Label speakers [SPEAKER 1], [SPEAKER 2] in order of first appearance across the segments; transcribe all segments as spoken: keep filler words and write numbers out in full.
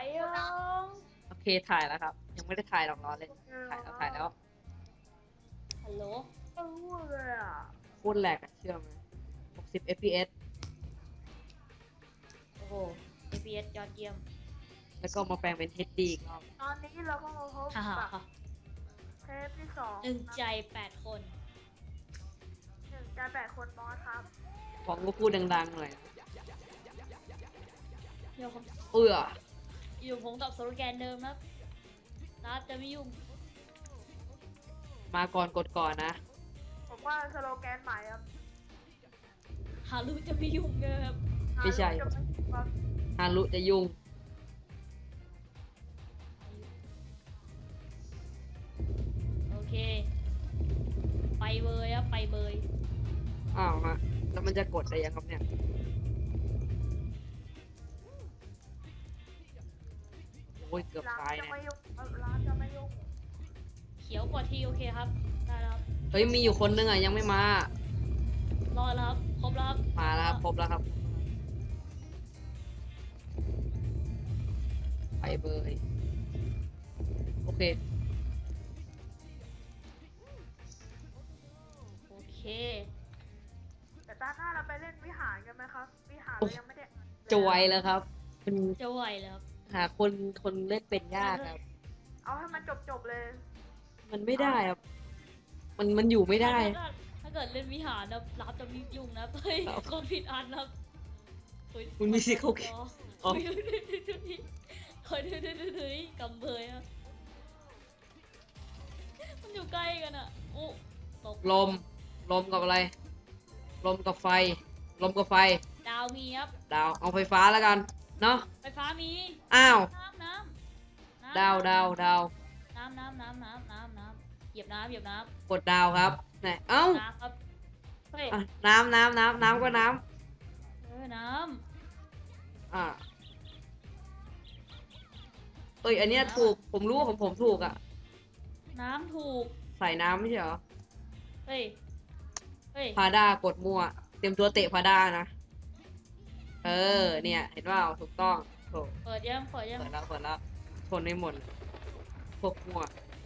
[SPEAKER 1] ยัง
[SPEAKER 2] โอเคถ่ายแล้วครับยังไม่ได้ถ่ายหรอกรอเลยถ่ายแล้วถ่ายแล้ว
[SPEAKER 1] ฮัลโหล
[SPEAKER 3] เออเลยอ่ะ
[SPEAKER 2] โคตรแหลกอะเชื่อไหมหกสิบ เอฟ พี เอส
[SPEAKER 1] โอ้โห เอ พี เอส ยอดเยี่ยม
[SPEAKER 2] แล้วก็มาแปลงเป็น เอช ดี อีกรอบ
[SPEAKER 3] ตอนนี้เราก็มาพบ
[SPEAKER 1] ฮ่าฮ่า
[SPEAKER 3] กับ
[SPEAKER 1] ฮ่า
[SPEAKER 3] เทปที่สอง
[SPEAKER 1] หนึ่งใจแปดคน
[SPEAKER 3] หนึ่งการแปดคนบอสครับ
[SPEAKER 2] ของก็พูดดังๆหน่อย
[SPEAKER 1] เดี๋ยวผม
[SPEAKER 2] เอื้อ
[SPEAKER 1] อยู่ผมกับโซโลแกนเดิมครับรับจะไม่ยุ่ง
[SPEAKER 2] มาก่อนกดก่อนนะ
[SPEAKER 3] ผมว่าสโลแกนใหม่ครับ
[SPEAKER 1] หารู้จะไม่ยุ่งเลยครับ
[SPEAKER 2] ไม่ใช่
[SPEAKER 3] หาลูกจะไม่ครับ
[SPEAKER 2] ฮารุจะยุ่ง
[SPEAKER 1] โอเค ไปเบยครับไปเบย
[SPEAKER 2] อ้าวฮะแล้วมันจะกดได้ยังครับเนี่ยโอ้ยเกือบ
[SPEAKER 3] ร้าน
[SPEAKER 2] ตาย
[SPEAKER 3] จะ
[SPEAKER 2] เนี่ย
[SPEAKER 3] ไม่ยุ่งเอ่อร้านจะไม่ยุ่ง
[SPEAKER 1] เขียวกว่าทีโอเคครับได้แล้วครับ
[SPEAKER 2] เฮ้ยมีอยู่คนนึงอ่ะยังไม่มาร
[SPEAKER 1] อแล้วครับครบแล้วครับ
[SPEAKER 2] มาแล้วครับครบแล้วครับไปเบยโอเค
[SPEAKER 1] โอเค
[SPEAKER 3] แต่ตาหน้าเราไปเล่นวิหารกันไหมครับ วิหารเรายังไม่ได้
[SPEAKER 2] จะไวแล้วครับมัน
[SPEAKER 1] จะไหวแล้วครับ
[SPEAKER 2] หาคนคนเล่นเป็นยากครับ
[SPEAKER 3] เอาให้มันจบจบๆเลย
[SPEAKER 2] มันไม่ได้ครับ มันมันอยู่ไม่ได้
[SPEAKER 1] ถ้าถ้าเกิดเล่นวิหารนะรับจะมียุ่งนะเฮ้ย
[SPEAKER 2] ครับ
[SPEAKER 1] คนผิดอันนะครับเฮ้ย
[SPEAKER 2] คุณมีสิทธิ์เขา อ๋อ
[SPEAKER 1] เฮ้ยเฮ้ยเฮ้ยเฮ้ยเฮ้ยเฮ้ยกำเบยอะมันอยู่ใกล้กันอะโอ้ตก
[SPEAKER 2] ลม ลมกับอะไร ลมกับไฟ ลมกับไฟ
[SPEAKER 1] ดาวมีครับ
[SPEAKER 2] ดาว เอาไฟฟ้าแล้วกัน เนาะ
[SPEAKER 1] ไฟฟ้ามี
[SPEAKER 2] อ้าว
[SPEAKER 1] น้ำน้ำน้ำ
[SPEAKER 2] ดาวดาวดาว
[SPEAKER 1] น้ำน้ำน้ำน้ำน้ำน้ำเหยียบน้ำเหยียบน้
[SPEAKER 2] กดดาวครับไหนเอ้า
[SPEAKER 1] ำน้ำครับเฮ้ย
[SPEAKER 2] อ่ะน้ำน้ำน้ำน้ำก็น้
[SPEAKER 1] เออน้
[SPEAKER 2] ำอ่าเอ้ย อันเนี้ยถูก ผมรู้ว่าของผมถูกอ่ะ
[SPEAKER 1] ำน้ำถูก
[SPEAKER 2] ใส่น้ำไม่ใช่เหรอ
[SPEAKER 1] เฮ้ยเฮ้ย
[SPEAKER 2] พาด้ากดมั่ว เตรียมตัวเตะพาด้านะ เออ เนี่ย เห็นว่าถูกต้องโถ
[SPEAKER 1] เปิดยังเปิดยัง
[SPEAKER 2] เปิดแล้วเปิดแล้วชนไม่หมดพวกมั่ว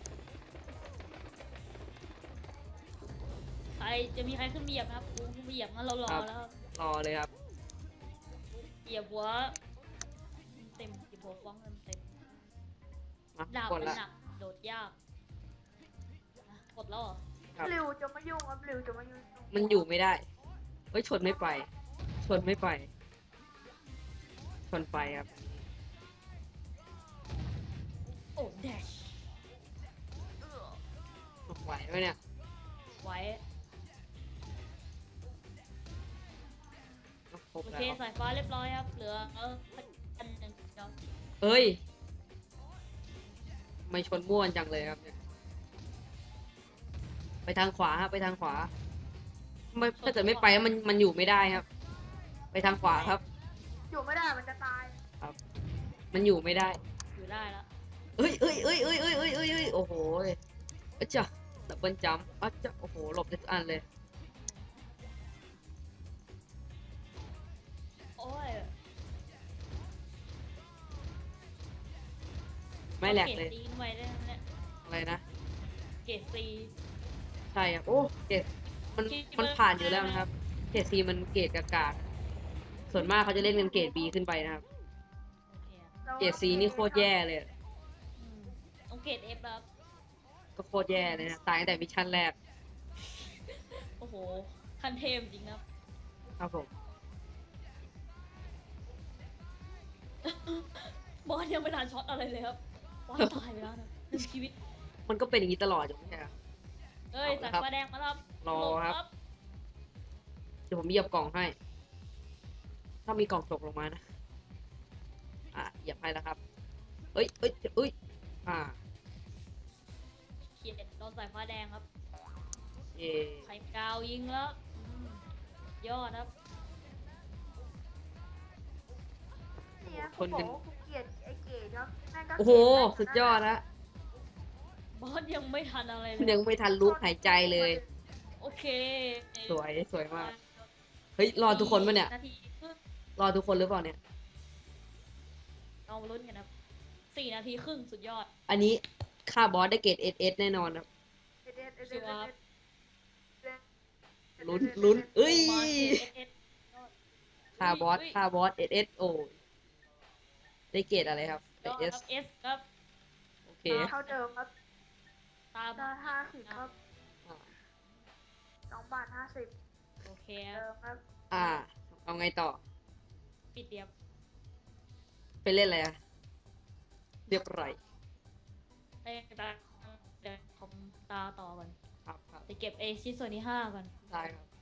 [SPEAKER 1] ใครจะมีใครขึ้นมาเหยียบไหมครับกูขึ้นมาเหยียบงั้นเรารอแล้วครับ
[SPEAKER 2] รอเลยครับ
[SPEAKER 1] เหยียบหัวเต็มเหยียบหัวฟ้องเต็มเต็ม
[SPEAKER 2] มา
[SPEAKER 1] ดาบ
[SPEAKER 2] กด
[SPEAKER 1] มัน
[SPEAKER 2] ละ
[SPEAKER 1] หนักโดดยากอ่ะกดแล้วเหรอ
[SPEAKER 2] ครับ
[SPEAKER 3] ริวจะไม่ยุ่งครับริวจะไม่ยุ่ง
[SPEAKER 2] มันอยู่ไม่ได้เฮ้ยชนไม่ไป ชนไม่ไป ชนไปครับ
[SPEAKER 1] โอ้แดช
[SPEAKER 2] ไหวไหมเนี่ย
[SPEAKER 1] ไว้
[SPEAKER 2] ครบ
[SPEAKER 1] โอ
[SPEAKER 2] แล้ว
[SPEAKER 1] เคสายฟ้าเรียบร้อยครับเหลือเอออันหนึ่งเดี๋ยว
[SPEAKER 2] เอ้ยไม่ชนม่วนจังเลยครับเนี่ยไปทางขวาครับไปทางขวาไม่ถ้าเกิดไม่ไปมันมันอยู่ไม่ได้ครับ ไปทางขวาครับ
[SPEAKER 3] อยู่ไม่ได้มันจะตาย
[SPEAKER 2] มันอยู่ไม่ได้
[SPEAKER 1] อยู่ได้แล้ว
[SPEAKER 2] เอ้ยเอ้ยเอ้ยเอ้ยเอ้ยเอ้ยเอ้ยเอ้ยโอ้โหอะจ้ะดับเบิลจัมป์อะจ้ะโอ้โหหลบได้ทุกอันเลย
[SPEAKER 1] โอ้ย
[SPEAKER 2] ไม่แหลกเลย
[SPEAKER 1] เกรดซีไว้ได้ไหมเนี่ย
[SPEAKER 2] อะไรนะ
[SPEAKER 1] เกรดซี
[SPEAKER 2] ใช่ครับโอ้เกรดมันมันผ่านอยู่แล้วนะครับเกรดซีมันเกรดกากๆส่วนมากเขาจะเล่นกันเกรดบีขึ้นไปนะครับ
[SPEAKER 1] โอเคอะ
[SPEAKER 3] รา
[SPEAKER 2] เกรดซีนี่โคตรแย่เลยอะ
[SPEAKER 1] อืมต้องเกรดเอฟครับ
[SPEAKER 2] ก็โคตรแย่เลยนะตายตั้งแต่มิชชั่นแรก
[SPEAKER 1] โอ้โหคันเทมจริงครับ
[SPEAKER 2] ครับผม
[SPEAKER 1] บอสยังไม่ทันช็อตอะไรเลยครับบอสตายไปแล้วนะหนึ่งชีวิต
[SPEAKER 2] มันก็เป็นอย่างนี้ตลอดอยู่ไม่ใช่เหรอ
[SPEAKER 1] เอ้ย
[SPEAKER 2] เอา
[SPEAKER 1] สาย
[SPEAKER 2] ครับ
[SPEAKER 1] ฟ้าแดงมาครับ
[SPEAKER 2] รอ
[SPEAKER 1] หล
[SPEAKER 2] ครับ เดี๋ยวผมเหยียบกล่องให้ ถ้ามีกล่องตกลงมานะ อ่ะเหยียบให้แล้วครับ เอ้ยเอ้ยเอ้ย อ่า
[SPEAKER 1] เขียนโดนสายฟ้าแดงครับ
[SPEAKER 2] เย่
[SPEAKER 1] ไข่กาวยิงแล้วอืมยอดครับ
[SPEAKER 3] เนี่ย
[SPEAKER 2] ช
[SPEAKER 3] ผม
[SPEAKER 2] น
[SPEAKER 3] บอ
[SPEAKER 2] กั
[SPEAKER 3] ก
[SPEAKER 2] น
[SPEAKER 3] ว่ากูเกลียดไอ้เกดครับแม่งก็
[SPEAKER 2] โอ้โห
[SPEAKER 3] เกลี
[SPEAKER 2] สุ
[SPEAKER 3] ย
[SPEAKER 2] ดยอดละ
[SPEAKER 1] บอสยังไม่ทันอะไรเล
[SPEAKER 2] ยั
[SPEAKER 1] ย
[SPEAKER 2] งไม่ทันลุกหายใจเลย
[SPEAKER 1] โอเค
[SPEAKER 2] สวย สวยมาก เฮ้ย รอทุกคนปะเนี่ย
[SPEAKER 1] นาทีครึ่ง
[SPEAKER 2] รอทุกคนหรือเปล่าเนี่ย
[SPEAKER 1] เอาลุ้นกันครับสี่นาทีครึ่งสุดยอด
[SPEAKER 2] อันนี้ค่าบอสได้เกรดเอสเอสแน่นอนครับ
[SPEAKER 3] เอเดนเอเด
[SPEAKER 1] ชั
[SPEAKER 3] น
[SPEAKER 1] วร์
[SPEAKER 3] เอเดน
[SPEAKER 2] ลุ้นลุ้นเอ้ย
[SPEAKER 1] มาเกรด เอส เอส
[SPEAKER 2] ค่าบอส
[SPEAKER 1] อุ้ย
[SPEAKER 2] ค่าบอสเอสเอสโอได้เกรดอะไรครับ
[SPEAKER 1] ยอด
[SPEAKER 2] เอส
[SPEAKER 1] ครับ S ครับ
[SPEAKER 2] โอเค
[SPEAKER 3] เท่าเดิมครับ
[SPEAKER 1] ตาม
[SPEAKER 3] ได้ห้าสิบครับ
[SPEAKER 2] อ่า
[SPEAKER 3] สองบาทห้าสิบ
[SPEAKER 1] โอเคค
[SPEAKER 3] เดิ
[SPEAKER 1] รับ
[SPEAKER 3] มครับ
[SPEAKER 2] อ่า เอาไงต่อ
[SPEAKER 1] ปิดเดียบ
[SPEAKER 2] ไปเล่นอะไรอะเรียบร้อย
[SPEAKER 1] เอ้ยตาเดี๋ยวผมตาต่อก่อน
[SPEAKER 2] ครับครับ
[SPEAKER 1] จะเก็บไอชิ้นส่วนที่ห้าก่อน
[SPEAKER 2] ได้ครับ